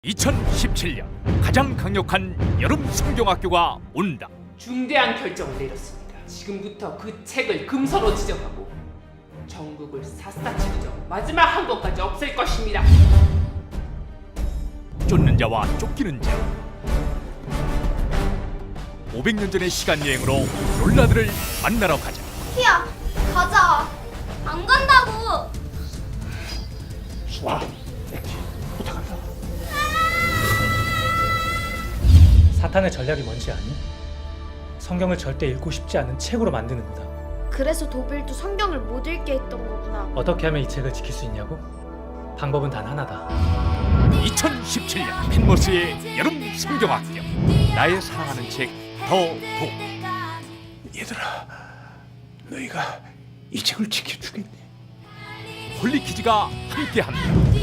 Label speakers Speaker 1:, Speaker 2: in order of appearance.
Speaker 1: 2017년 가장 강력한 여름 성경학교가 온다.
Speaker 2: 중대한 결정을 내렸습니다. 지금부터 그 책을 금서로 지정하고 전국을 샅샅이 뒤져 마지막 한 권까지 없앨 것입니다.
Speaker 1: 쫓는 자와 쫓기는 자. 500년 전의 시간 여행으로 롤라들을 만나러 가자.
Speaker 3: 티야, 가자. 안 간다고.
Speaker 4: 와, 부탁한다.
Speaker 5: 사탄의 전략이 뭔지 아니? 성경을 절대 읽고 싶지 않은 책으로 만드는 거다.
Speaker 3: 그래서 도빌도 성경을 못 읽게 했던 거구나.
Speaker 5: 어떻게 하면 이 책을 지킬 수 있냐고? 방법은 단 하나다.
Speaker 1: 2017년 펜머스의 여름 성경학교. 나의 사랑하는 책 더 도.
Speaker 4: 얘들아, 너희가 이 책을 지켜주겠니?
Speaker 1: 홀리키즈가 함께합니다.